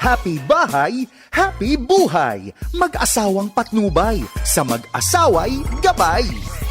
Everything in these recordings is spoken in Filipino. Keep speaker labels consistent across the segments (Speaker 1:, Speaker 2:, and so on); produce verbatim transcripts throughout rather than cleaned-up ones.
Speaker 1: Happy bahay, happy buhay. Mag-asawang patnubay, sa mag-asaway gabay.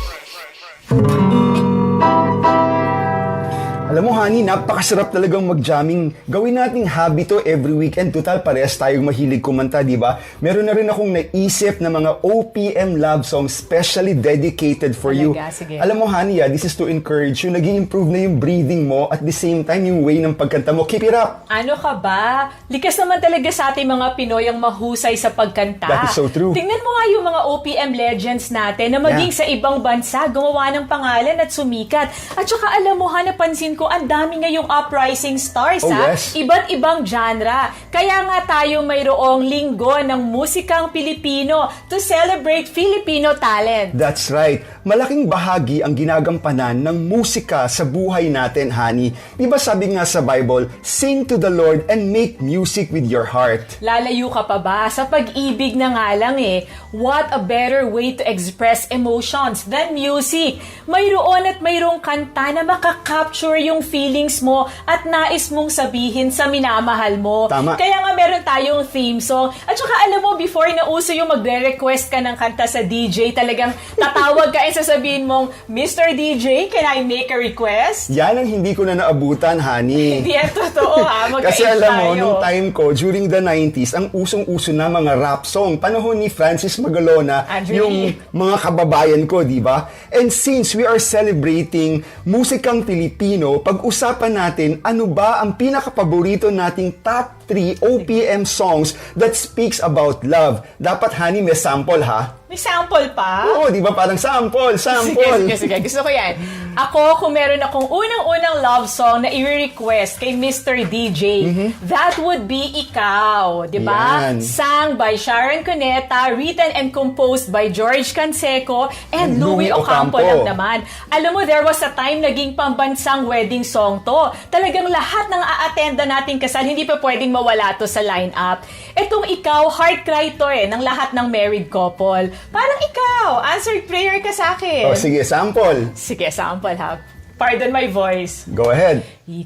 Speaker 2: Alam mo, honey, napakasarap talagang mag-jamming. Gawin nating hobby to every weekend. Total, parehas tayong mahilig kumanta, di ba? Meron na rin akong naisip na mga O P M love songs specially dedicated for you.
Speaker 3: Talaga? Sige.
Speaker 2: Alam mo, honey, ah, this is to encourage you. Nag-i-improve na yung breathing mo at the same time yung way ng pagkanta mo. Keep it up!
Speaker 3: Ano ka ba? Likas naman talaga sa ating mga Pinoy ang mahusay sa pagkanta.
Speaker 2: That is so true.
Speaker 3: Tingnan mo nga yung mga O P M legends natin na maging
Speaker 2: Yeah.
Speaker 3: sa ibang bansa, gumawa ng pangalan at sumikat. At saka alam mo ha, napansin ko, ang dami ngayong uprising stars
Speaker 2: Oh,
Speaker 3: ha.
Speaker 2: yes.
Speaker 3: Iba't ibang genre. Kaya nga tayo mayroong linggo ng musikang Pilipino to celebrate Filipino talent.
Speaker 2: That's right. Malaking bahagi ang ginagampanan ng musika sa buhay natin, honey. Di ba sabi nga sa Bible, sing to the Lord and make music with your heart.
Speaker 3: Lalayo ka pa ba? Sa pag-ibig na nga lang eh. What a better way to express emotions than music. Mayroon at mayroong kanta na makakapture yung feelings mo at nais mong sabihin sa minamahal mo.
Speaker 2: Tama.
Speaker 3: Kaya nga meron tayong theme song. At saka alam mo, before na uso yung magre-request ka ng kanta sa D J, talagang tatawag ka at sasabihin mong, Mister D J, can I make a request?
Speaker 2: Yan ang hindi ko na naabutan, honey.
Speaker 3: Hindi yan totoo ha. Magka-age
Speaker 2: Kasi alam mo,
Speaker 3: tayo.
Speaker 2: nung time ko, during the nineties, ang usong-uso na mga rap song. Panahon ni Francis Magalona,
Speaker 3: Andrew
Speaker 2: yung
Speaker 3: Lee.
Speaker 2: mga kababayan ko, di ba? And since we are celebrating musikang Pilipino, pag-usapan natin ano ba ang pinakapaborito nating top three O P M songs that speaks about love. Dapat, honey, may sample, ha?
Speaker 3: May sample pa?
Speaker 2: Oo, di ba? Parang sample, sample.
Speaker 3: Sige, sige, sige. Gusto ko yan. Ako, kung meron akong unang-unang love song na i-request kay Mister D J, that would be Ikaw. Di ba?
Speaker 2: Yan.
Speaker 3: Sang by Sharon Cuneta, written and composed by George Canseco, and Louie
Speaker 2: Louie
Speaker 3: Ocampo
Speaker 2: Ocampo.
Speaker 3: lang naman. Alam mo, there was a time naging pambansang wedding song to. Talagang lahat ng a-attenda nating kasal, hindi pa pwedeng mawala to sa lineup. Etong Ikaw, heart cry to eh, ng lahat ng married couple. Parang ikaw, answered prayer ka sa akin.
Speaker 2: O, sige, sample.
Speaker 3: Sige, sample ha. Pardon my voice.
Speaker 2: Go ahead.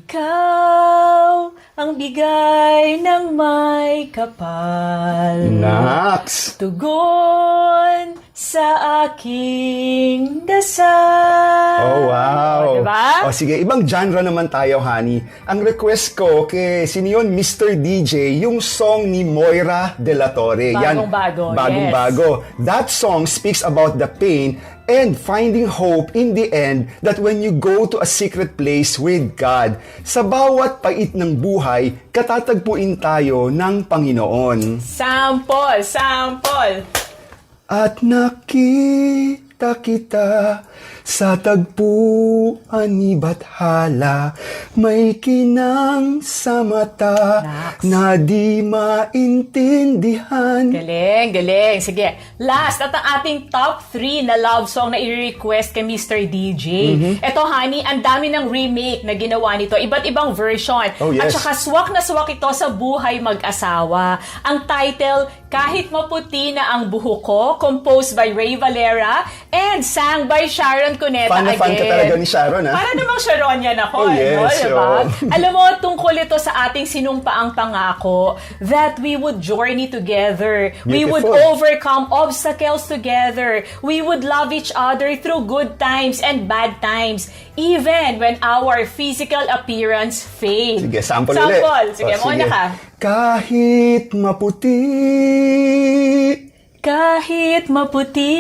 Speaker 3: Ikaw ang bigay ng may kapal.
Speaker 2: Nax.
Speaker 3: Tugon sa aking dasal.
Speaker 2: Oh, wow.
Speaker 3: Diba?
Speaker 2: O, sige, ibang genre naman tayo, honey. Ang request ko kay sino yun, Mister D J, yung song ni Moira De La Torre.
Speaker 3: Bagong-bago,
Speaker 2: Bagong-bago. That song speaks about the pain and finding hope in the end that when you go to a secret place with God, sa bawat pait ng buhay, katatagpuin tayo ng Panginoon.
Speaker 3: Sample, sample.
Speaker 2: At nakita kita sa tagpuan ni Bathala, may kinang sa mata
Speaker 3: Nax.
Speaker 2: na di maintindihan.
Speaker 3: Galing, galing. Sige. Last, at ang ating top three na love song na i-request kay Mister D J. Ito, honey, ang dami ng remake na ginawa nito. Iba't ibang version.
Speaker 2: Oh, yes.
Speaker 3: At saka swak na swak ito sa buhay mag-asawa. Ang title, Kahit Maputi na ang Buhok Ko, composed by Ray Valera and sang by Sharon Cuneta
Speaker 2: Fan na
Speaker 3: again.
Speaker 2: fan ka talaga ni Sharon, ha?
Speaker 3: Para namang Sharon yan ako,
Speaker 2: Oh,
Speaker 3: ano,
Speaker 2: yes,
Speaker 3: diba?
Speaker 2: oh.
Speaker 3: Alam mo, tungkol ito sa ating sinumpaang pangako that we would journey together. We would
Speaker 2: Beautiful.
Speaker 3: overcome obstacles together. We would love each other through good times and bad times, even when our physical appearance fades.
Speaker 2: Sige, sample,
Speaker 3: sample.
Speaker 2: ulit.
Speaker 3: Sige,
Speaker 2: O,
Speaker 3: muna
Speaker 2: sige.
Speaker 3: ka.
Speaker 2: Kahit maputi,
Speaker 3: Kahit maputi,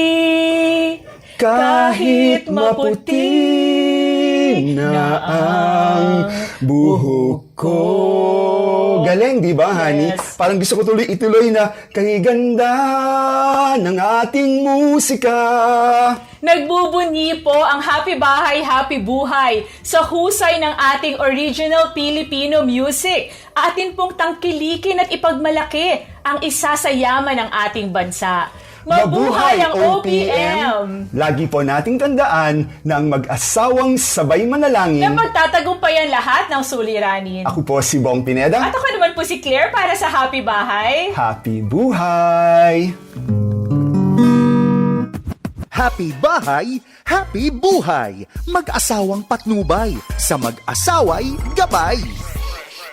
Speaker 2: kahit maputi na ang buhok ko. Galing, di ba, honey?
Speaker 3: Yes.
Speaker 2: Parang gusto ko tuloy ituloy na kay ganda ng ating musika.
Speaker 3: Nagbubunyi po ang Happy Bahay, Happy Buhay sa husay ng ating original Filipino music. Atin pong tangkilikin at ipagmalaki ang isa sa yaman ng ating bansa. Mabuhay ang O P M!
Speaker 2: Lagi po nating tandaan na ang mag-asawang sabay manalangin.
Speaker 3: Na magtatagumpayan lahat ng suliranin.
Speaker 2: Ako po si Bong Pineda.
Speaker 3: At ako naman po si Claire para sa Happy Bahay.
Speaker 2: Happy buhay!
Speaker 1: Happy bahay, happy buhay. Mag-asawang patnubay, sa mag-asaway gabay.